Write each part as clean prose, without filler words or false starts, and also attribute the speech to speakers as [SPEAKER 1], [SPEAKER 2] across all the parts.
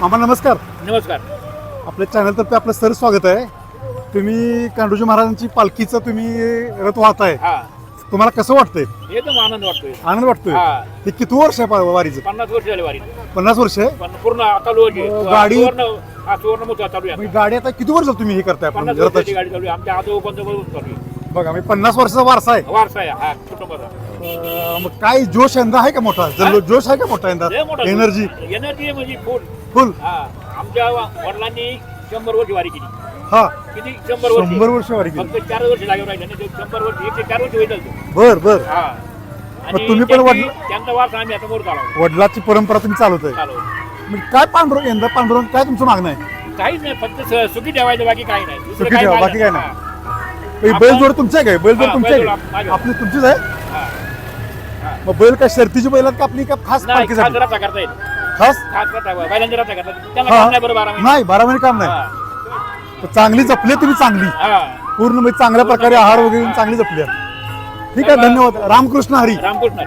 [SPEAKER 1] मामा नमस्कार.
[SPEAKER 2] नमस्कार.
[SPEAKER 1] आपल्या चॅनलतर्फे आपलं सर स्वागत आहे. तुम्ही कांडोजी महाराजांची पालखीचं तुम्ही रथ वाहताय,
[SPEAKER 2] हा
[SPEAKER 1] तुम्हाला कसं वाटतंय?
[SPEAKER 2] एकदम आनंद वाटतोय.
[SPEAKER 1] आनंद वाटतोय.
[SPEAKER 2] हा.
[SPEAKER 1] हे किती वर्ष आहे वारीचं?
[SPEAKER 2] 50 वर्ष झाली वारी.
[SPEAKER 1] 50 वर्ष आहे.
[SPEAKER 2] पण पूर्ण चालू आहे.
[SPEAKER 1] गाडी-
[SPEAKER 2] सुवर्ण मोठा चालू आहे.
[SPEAKER 1] मग गाडी आता किती वर्ष तुम्ही हे करताय?
[SPEAKER 2] 50
[SPEAKER 1] आपण
[SPEAKER 2] वर्षाची
[SPEAKER 1] रथाची
[SPEAKER 2] गाडी चालू आहे. आमच्या आजोबांचं चालू आहे.
[SPEAKER 1] बघा, मी 50 वर्षाचा वारसा आहे.
[SPEAKER 2] वारसा आहे हा कुटुंबाचा.
[SPEAKER 1] मग काय जोश यंदा आहे का मोठा? जोश आहे का मोठा यंदा?
[SPEAKER 2] लय मोठा
[SPEAKER 1] एनर्जी
[SPEAKER 2] एनर्जी म्हणजे फुल.
[SPEAKER 1] फुल.
[SPEAKER 2] हा आमच्या वडिलांनी 100 वर्ष वारी केली.
[SPEAKER 1] हा,
[SPEAKER 2] किती 100 वर्ष.
[SPEAKER 1] 100 वर्ष वारी केली.
[SPEAKER 2] फक्त 4 वर्ष लागेल राहिले आणि 100 वर्ष 104 वर्ष होईल.
[SPEAKER 1] बर बर.
[SPEAKER 2] हा
[SPEAKER 1] मग तुम्ही पण
[SPEAKER 2] त्यांचा वारसा आम्ही आता मोर चालवतो.
[SPEAKER 1] वडिलाची परंपरा तुम्ही चालवताय.
[SPEAKER 2] चालवतो.
[SPEAKER 1] मग काय पांडुरंग यंदा पांडुरंग काय तुमचं मागणं आहे?
[SPEAKER 2] काहीच नाही, फक्त सुखी ठेवायचं, बाकी काही नाही. दुसरं
[SPEAKER 1] सुखी
[SPEAKER 2] काही
[SPEAKER 1] ठेवा,
[SPEAKER 2] मागणं
[SPEAKER 1] बाकी काय
[SPEAKER 2] नाही.
[SPEAKER 1] नाही. बैलजोड तुमची आहे काय? बैलजोड
[SPEAKER 2] हा,
[SPEAKER 1] तुमची आहे
[SPEAKER 2] बैलजोड
[SPEAKER 1] काय?
[SPEAKER 2] माझी.
[SPEAKER 1] आपली तुमचीच आहे.
[SPEAKER 2] हा.
[SPEAKER 1] मग बैल काय शर्तीची बैल आहेत का आपली का खास
[SPEAKER 2] नाही,
[SPEAKER 1] पालखीसाठी?
[SPEAKER 2] खास रस्ता करता येईल.
[SPEAKER 1] खास
[SPEAKER 2] खास रस्ता, बैलांचा रस्ता करता येईल. त्यांना
[SPEAKER 1] हा.
[SPEAKER 2] काम नाही बरं 12 महिने.
[SPEAKER 1] नाही, 12 महिने काम नाही.
[SPEAKER 2] हा.
[SPEAKER 1] तर चांगली जपली तुम्ही, चांगली
[SPEAKER 2] हा.
[SPEAKER 1] पूर्ण म्हणजे चांगल्या प्रकारे आहार वगैरे घेऊन चांगली जपली आहे. ठीक आहे, धन्यवाद. रामकृष्ण हरी.
[SPEAKER 2] रामकृष्ण.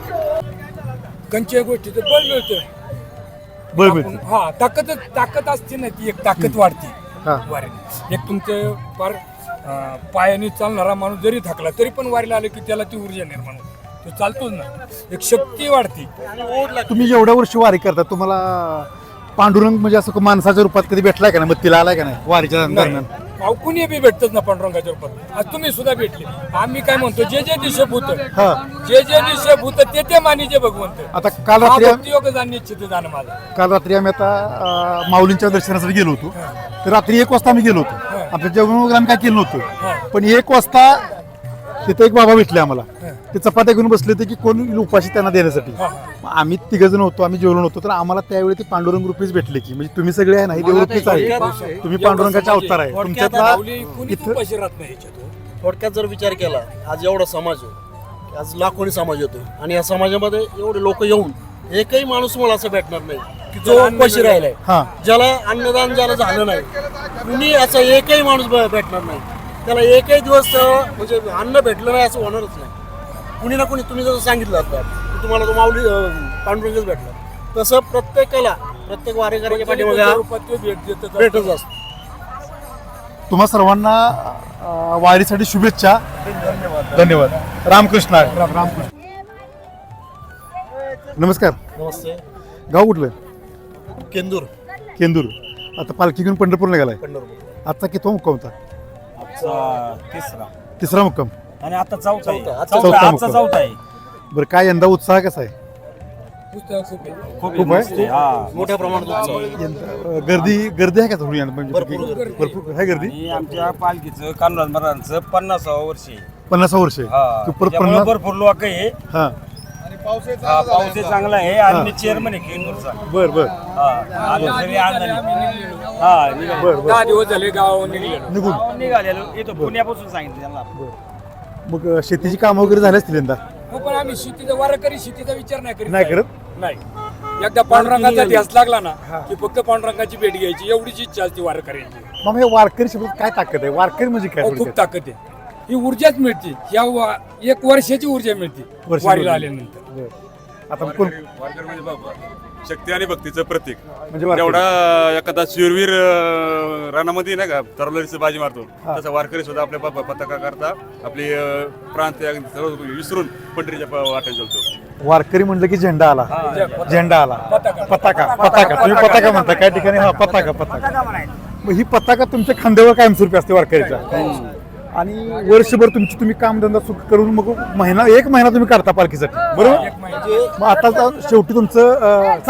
[SPEAKER 3] कंच्या गोष्टीचं बळ मिळतं.
[SPEAKER 1] बळ मिळते.
[SPEAKER 3] हा, ताकद असते ना, ती एक ताकद वाढते
[SPEAKER 1] हा.
[SPEAKER 3] वारीने. एक तुमचं फार पायाने चालणारा माणूस जरी थकला तरी पण वारीला आले की त्याला ती ऊर्जा निर्माण होते. तो चालतोच ना, एक शक्ती वाढते.
[SPEAKER 1] तुम्ही एवढ्या वर्षी वारी करता, तुम्हाला पांडुरंग म्हणजे असं माणसाच्या रूपात कधी भेटलाय का नाही? मग तिला आलाय का नाही वारीच्या दरम्यान?
[SPEAKER 3] अहो, कुणी बी भेटतच ना पांडुरंगाच्या रूपात. आज तुम्ही सुद्धा भेटले. आम्ही काय म्हणतो, जे जे दिशभूत
[SPEAKER 1] हा.
[SPEAKER 3] जे जे दिशभूत ते ते मानिजे भगवंत.
[SPEAKER 1] आता काल रात्री
[SPEAKER 3] योग जाणं इच्छित जाणं माझं.
[SPEAKER 1] काल रात्री आम्ही आता माऊलींच्या दर्शनासाठी गेलो होतो. तर रात्री 1 वाजता आम्ही गेलो होतो. आपल्या जेवण वगैरे आम्ही काय केलं नव्हतं, पण 1 वाजता तिथे एक बाबा भेटले आम्हाला. ते चपात्या घेऊन बसले होते की कोण उपाशी त्यांना देण्यासाठी. मग आम्ही 3 जण होतो, आम्ही जेवलो नव्हतो. तर आम्हाला त्यावेळी ते पांडुरंग रूपीच भेटले की म्हणजे तुम्ही सगळे आहे ना, देवरूपीच आहे, तुम्ही पांडुरंगाचा अवतार आहे. तुमच्यातला
[SPEAKER 3] कुणी
[SPEAKER 1] इथं
[SPEAKER 3] उपाशी राहत नाही याच्यात.
[SPEAKER 4] थोडक्यात जर विचार केला, आज एवढा समाज आहे, आज लाखोनी समाज येतो आणि या समाजामध्ये एवढे लोक येऊन एकही माणूस मला असं भेटणार नाही की जो उपाशी राहिलाय,
[SPEAKER 1] हा.
[SPEAKER 4] ज्याला अन्नदान ज्याला झालं नाही, कुणी असा एकही माणूस भेटणार नाही. त्याला एकही दिवस म्हणजे अन्न भेटलं नाही असं होणारच नाही. कुणी ना कुणी, तुम्ही जसं सांगितलं आता की तुम्हाला तो माऊली पांडुरंगच भेटला, तसं प्रत्येकाला, प्रत्येक वारेकऱ्याच्या पाठीमागे हा
[SPEAKER 3] रूपात तो भेट देतच असतो.
[SPEAKER 4] भेटच असतो.
[SPEAKER 1] तुम्हा सर्वांना वारीसाठी शुभेच्छा. धन्यवाद. रामकृष्ण हरी. रामकृष्ण. नमस्कार.
[SPEAKER 4] नमस्ते.
[SPEAKER 1] गाव कुठलं?
[SPEAKER 4] केंदूर.
[SPEAKER 1] केंदूर. आता पालखी घेऊन पंढरपूरला गेलाय.
[SPEAKER 4] पंढरपूर.
[SPEAKER 1] आजचा कितवा मुक्काम होता?
[SPEAKER 5] तिसरा
[SPEAKER 1] तिसरा मुक्काम.
[SPEAKER 5] आणि आता चौथा आहे.
[SPEAKER 4] चौथा.
[SPEAKER 1] चौथा
[SPEAKER 5] आजचा
[SPEAKER 1] मुक्काम.
[SPEAKER 5] चौथा आहे.
[SPEAKER 1] बरं, काय यंदा उत्साह कसा आहे?
[SPEAKER 3] पुस्तक खूप आहे.
[SPEAKER 1] खूप आहे?
[SPEAKER 5] मस्त आहे. हा.
[SPEAKER 4] मोठ्या प्रमाणात उत्सव आहे.
[SPEAKER 1] यंदा गर्दी आहे का थोडी यंदा? म्हणजे
[SPEAKER 4] भरपूर
[SPEAKER 1] भरपूर आहे गर्दी.
[SPEAKER 5] आणि आमच्या पालखीचं कान्होज महाराजांचं 50व वर्ष आहे.
[SPEAKER 1] 50 वर्ष आहे.
[SPEAKER 5] हा.
[SPEAKER 1] की परत
[SPEAKER 5] त्यामुळे
[SPEAKER 1] 50.
[SPEAKER 5] भरपूर लोक आहे.
[SPEAKER 1] हा.
[SPEAKER 5] हा, पाऊस चांगला आहे आणि मी चेअरमन आहे केंदूरचा.
[SPEAKER 1] बर बर
[SPEAKER 5] हा. आलो तरी आनंद. हा, निघालो.
[SPEAKER 1] बर बर.
[SPEAKER 3] 10 दिवस झाले गावावर निघलेलो.
[SPEAKER 1] निघून
[SPEAKER 5] निघालेलो इथं पुण्यापासून सांगितलं त्यांना.
[SPEAKER 1] मग शेतीची कामं वगैरे झाली असतील यंदा?
[SPEAKER 3] हो, पण आम्ही शेतीचा वारकरी शेतीचा विचार नाही करीत.
[SPEAKER 1] नाही करत?
[SPEAKER 3] नाही. एकदा पांडुरंगाचा ध्यास लागला ना की फक्त पांडुरंगाची भेट घ्यायची, एवढीच इच्छा असते वारकऱ्यांची.
[SPEAKER 1] मग हे वारकरी शब्द काय ताकद आहे? वारकरी म्हणजे काय?
[SPEAKER 3] अहो, खूप ताकद आहे. ही ऊर्जाच मिळते. या 1 वर्षाची ऊर्जा मिळते
[SPEAKER 1] वर्षाची
[SPEAKER 3] वारीला
[SPEAKER 1] ऊर्जा.
[SPEAKER 3] आल्यानंतर.
[SPEAKER 1] बरं. आता कोण
[SPEAKER 6] वारकरी म्हणजे बाबा शक्ती आणि भक्तीचं प्रतीक.
[SPEAKER 1] म्हणजे वारकरी.
[SPEAKER 6] तेवढा एखादा शूरवीर रानामध्ये नाही का तरलोरीचं बाजी मारतो, तसा वारकरी सुद्धा आपल्या बाबा पताका करता आपली प्रांत सर्व विसरून पंढरीच्या वाटेत चालतो.
[SPEAKER 1] वारकरी म्हणलं की झेंडा आला. झेंडा आला. पताका. तुम्ही पताका म्हणता काही ठिकाणी. हा, पताका. मग ही पताका तुमच्या खांद्यावर कायमस्वरूपी असते वारकरीच्या. आणि वर्षभर तुम्ही कामधंदा सुख करून मग 1 महिना तुम्ही काढता पालखीसाठी, बरोबर? मग आता शेवटी तुमचं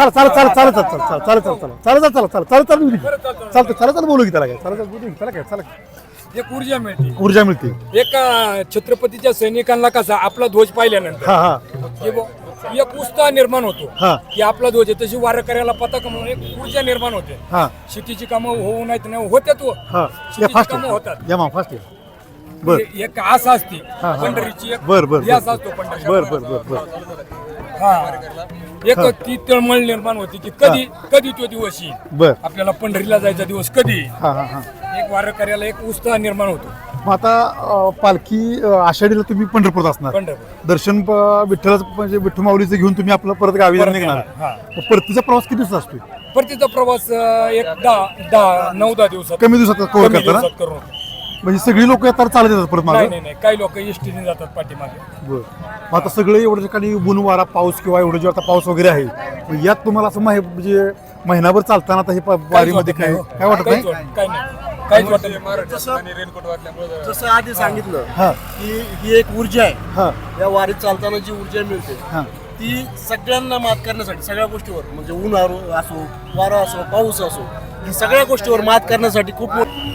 [SPEAKER 1] चालतं बोलू की त्याला काय?
[SPEAKER 3] एक ऊर्जा मिळते.
[SPEAKER 1] ऊर्जा मिळते.
[SPEAKER 3] एका छत्रपतीच्या सैनिकांना कसा आपला ध्वज पाहिल्यानंतर
[SPEAKER 1] हा.
[SPEAKER 3] की एक उत्साह निर्माण होतो
[SPEAKER 1] हा.
[SPEAKER 3] की आपला ध्वज आहे, तशी वारकऱ्याला पताका म्हणून एक ऊर्जा निर्माण होते.
[SPEAKER 1] हा.
[SPEAKER 3] शेतीची कामं होऊ नाही होत्यात.
[SPEAKER 1] हा.
[SPEAKER 3] शेतीची
[SPEAKER 1] फास्ट
[SPEAKER 3] कामं होतात.
[SPEAKER 1] या मा फास्ट आहे. बर
[SPEAKER 3] एक आशा असते
[SPEAKER 1] हा.
[SPEAKER 3] पंढरीची. एक
[SPEAKER 1] बर बर
[SPEAKER 3] ध्यास असतो पंढरीचा.
[SPEAKER 1] बर.
[SPEAKER 3] हा. एक ती तळमळ निर्माण होती की कधी तो दिवस येईल,
[SPEAKER 1] बर.
[SPEAKER 3] आपल्याला पंढरीला जायचा दिवस कधी येईल.
[SPEAKER 1] हा.
[SPEAKER 3] एक वारकऱ्याला एक उत्साह निर्माण होतो.
[SPEAKER 1] मग आता पालखी आषाढीला तुम्ही पंढरपूरात असणार.
[SPEAKER 3] पंढरपूर
[SPEAKER 1] दर्शन विठ्ठलाचं म्हणजे विठ्ठल माऊलीचं घेऊन तुम्ही आपलं परत गावी निघणार.
[SPEAKER 3] हा.
[SPEAKER 1] परतीचा प्रवास किती दिवस असतो?
[SPEAKER 3] परतीचा प्रवास एक 9-10 दिवसात
[SPEAKER 1] कमी दिवसात कव्हर
[SPEAKER 3] कमी
[SPEAKER 1] करता ना
[SPEAKER 3] दिवसात करून होतो.
[SPEAKER 1] म्हणजे सगळी लोक येतात चालत येतात परत मागे
[SPEAKER 3] नाही काही लोक एसटीने जातात पाठीमागे.
[SPEAKER 1] बरं मग आता सगळे एवढ्या ठिकाणी ऊन वारा पाऊस किंवा एवढं जे आता पाऊस वगैरे आहे मग यात तुम्हाला असं म्हणजे महिनाभर चालताना आता हे वारीमध्ये काय काय वाटत नाही
[SPEAKER 3] काहीच वाटत नाही.
[SPEAKER 4] जसं आधी सांगितलं
[SPEAKER 1] हा
[SPEAKER 4] की ही एक ऊर्जा आहे.
[SPEAKER 1] हा
[SPEAKER 4] या वारीत चालताना जी ऊर्जा मिळते
[SPEAKER 1] हा
[SPEAKER 4] ती सगळ्यांना मात करण्यासाठी सगळ्या गोष्टीवर म्हणजे ऊन असो वारा असो पाऊस असो या सगळ्या गोष्टीवर मात करण्यासाठी खूप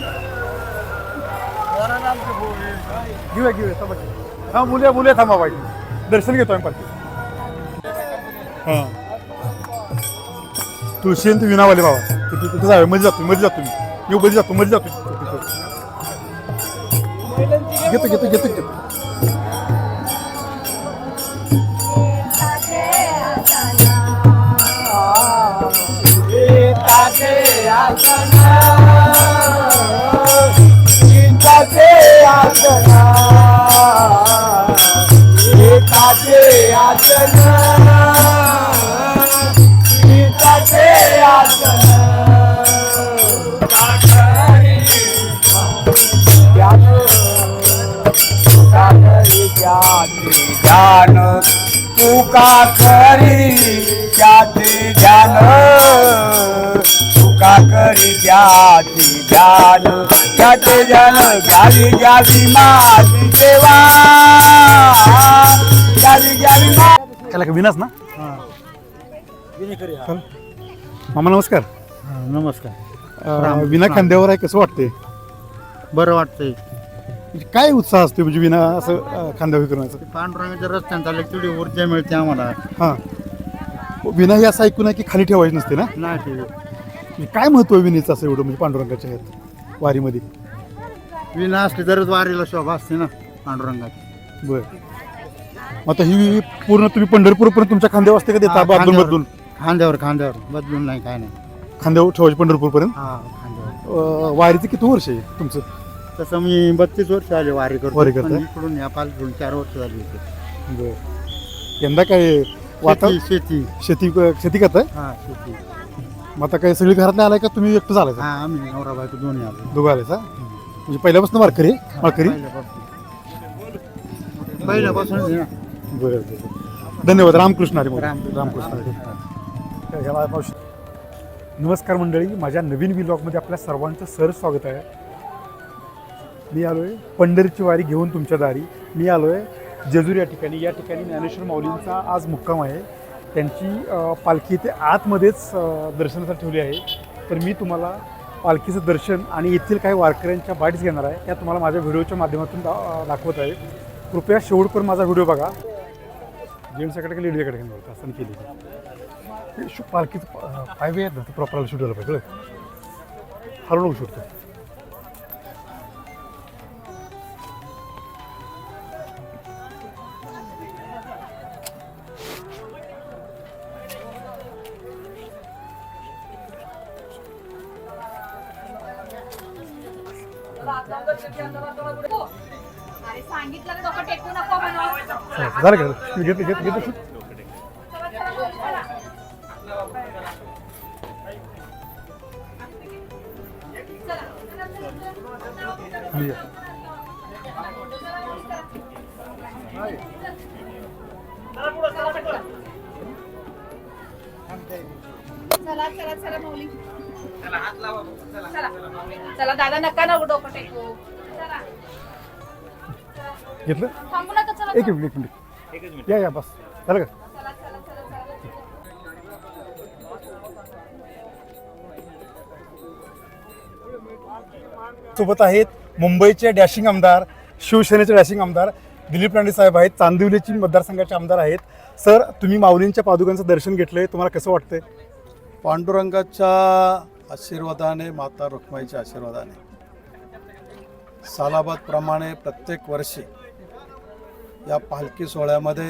[SPEAKER 1] घेऊया थांबा हा मुले थांबा पाहिजे दर्शन घेतो आम्ही पालखी हा तुळशी आणि विनावाले बाबा तिथे जावे मध्ये जातो मी येऊ मध्ये जातो घेतो
[SPEAKER 5] ध्यान तुका करी त्याचे ध्यान तुका करी त्याचे ध्यान त्याचे ध्यान घ्यावी माझी देवा घ्यावी
[SPEAKER 1] त्याला विनाच ना चल. मामा नमस्कार
[SPEAKER 7] नमस्कार.
[SPEAKER 1] विना खांद्यावर आहे कसं वाटतंय
[SPEAKER 7] बरं वाटतंय.
[SPEAKER 1] म्हणजे काय उत्साह असतो म्हणजे विना असं खांद्यावर करण्याचं
[SPEAKER 7] पांडुरंगाच्या रस्त्याने चालले तेवढी ऊर्जा मिळते आम्हाला.
[SPEAKER 1] हां विना हे असं ऐकून आहे की खाली ठेवायची नसते ना
[SPEAKER 7] नाही ते
[SPEAKER 1] म्हणजे काय महत्व आहे विनेचं असं एवढं म्हणजे पांडुरंगाच्या ह्यात वारीमध्ये
[SPEAKER 7] विना असली तरच वारीला शोभा असते ना पांडुरंगाची.
[SPEAKER 1] बरं मग आता ही पूर्ण तुम्ही पंढरपूरपर्यंत तुमच्या खांद्यावर असते का देता बदलून
[SPEAKER 7] खांद्यावर बदलून नाही काय नाही.
[SPEAKER 1] खांद्यावर ठेवायचे पंढरपूरपर्यंत
[SPEAKER 7] हा खांद्यावर.
[SPEAKER 1] वारीचं किती वर्ष आहे तुमचं
[SPEAKER 7] तसं मी 32 वर्ष आले वारी
[SPEAKER 1] वारी
[SPEAKER 7] करतो.
[SPEAKER 1] करताय?
[SPEAKER 7] पण इकडून या पालखीकडून 4 वर्ष झाली होती.
[SPEAKER 1] बरं यंदा काय शेती करताय
[SPEAKER 7] हा शेती.
[SPEAKER 1] मग आता काय सगळी घरातले आलाय का तुम्ही एकटं झालाय
[SPEAKER 7] हा आम्ही नवरा बायको दोन्ही आलो.
[SPEAKER 1] दोघं आलाय का म्हणजे पहिल्यापासून माळकरी
[SPEAKER 7] पहिल्यापासून आहे ना.
[SPEAKER 1] बरं धन्यवाद रामकृष्ण हरी रामकृष्ण हरी. नमस्कार मंडळी माझ्या नवीन व्लॉगमध्ये आपल्या सर्वांचं सहर्ष स्वागत आहे. मी आलो आहे पंढरीची वारी घेऊन तुमच्या दारी. मी आलो आहे जेजूर या ठिकाणी ज्ञानेश्वर माऊलींचा आज मुक्काम आहे. त्यांची पालखी ते आतमध्येच दर्शनासाठी ठेवली आहे. तर मी तुम्हाला पालखीचं दर्शन आणि येथील काही वारकऱ्यांच्या बाईट्स घेणार आहे त्या तुम्हाला माझ्या व्हिडिओच्या माध्यमातून दाखवत आहे. कृपया शेवटपर्यंत माझा व्हिडिओ बघा. जेंट्सकडे लेडीजकडे घेणार असं केली पालखीचं पायवे आहेत ना ते प्रॉपरला शूट झालं पाहिजे हलवून शूटतो.
[SPEAKER 8] अरे सांगितलं ना डोकं टेकू नको म्हणून.
[SPEAKER 1] झालं का घेतो शूट.
[SPEAKER 8] चला चला चला माऊली चला दादा नका ना डोकं टेकू. चला
[SPEAKER 1] घेतलं
[SPEAKER 8] थांबू नका. चला
[SPEAKER 1] एक मिनिट या बस झालं का.
[SPEAKER 8] चला चला चला चला.
[SPEAKER 1] सोबत आहेत मुंबईचे डॅशिंग आमदार शिवसेनेचे डॅशिंग आमदार दिलीप राणे साहेब आहेत. चांदिवलीची मतदारसंघाचे आमदार आहेत. सर तुम्ही माऊलींच्या पादुकांचं दर्शन घेतलंय तुम्हाला कसं वाटतंय.
[SPEAKER 9] पांडुरंगाच्या आशीर्वादाने माता रुक्माईच्या आशीर्वादाने सालाबादप्रमाणे प्रत्येक वर्षी या पालखी सोहळ्यामध्ये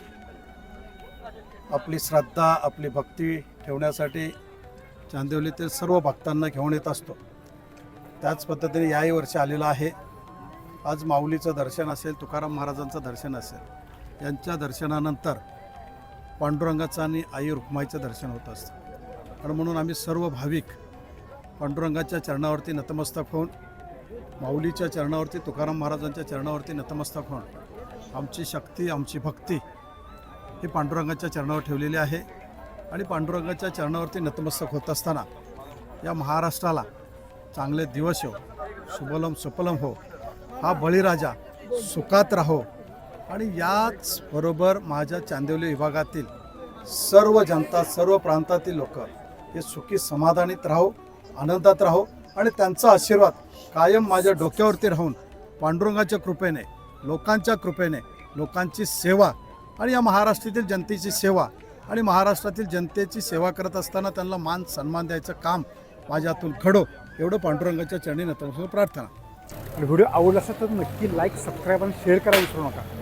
[SPEAKER 9] आपली श्रद्धा आपली भक्ती ठेवण्यासाठी चांदिवलीतील सर्व भक्तांना घेऊन येत असतो. त्याच पद्धतीने याही वर्षी आलेला आहे. आज माऊलीचं दर्शन असेल तुकाराम महाराजांचं दर्शन असेल यांच्या दर्शनानंतर पांडुरंगाचं आणि आई रुक्माईचं दर्शन होत असतं. आणि म्हणून आम्ही सर्व भाविक पांडुरंगाच्या चरणावरती नतमस्तक होऊन, माऊलीच्या चरणावरती, तुकाराम महाराजांच्या चरणावरती नतमस्तक होऊन आमची शक्ती, आमची भक्ती ही पांडुरंगाच्या चरणावर ठेवलेली आहे. आणि पांडुरंगाच्या चरणावरती नतमस्तक होत असताना या महाराष्ट्राला चांगले दिवस हो, सुबलम सुपलम हो, हा बळीराजा सुखात राहो. आणि याच बरोबर माझ्या चांदिवली विभागातील सर्व जनता, सर्व प्रांतातील लोक हे सुखी समाधानीत राहो, आनंदात राहो. आणि त्यांचा आशीर्वाद कायम माझ्या डोक्यावरती राहून पांडुरंगाच्या कृपेने, लोकांच्या कृपेने, लोकांची सेवा आणि या महाराष्ट्रातील जनतेची सेवा आणि महाराष्ट्रातील जनतेची सेवा करत असताना त्यांना मान सन्मान द्यायचं काम माझ्या हातून घडो, एवढं पांडुरंगाच्या चरणी नतमस्तक प्रार्थना.
[SPEAKER 1] आणि व्हिडिओ आवडला असेल तर नक्की लाईक, सबस्क्राईब आणि शेअर करायला विसरू नका.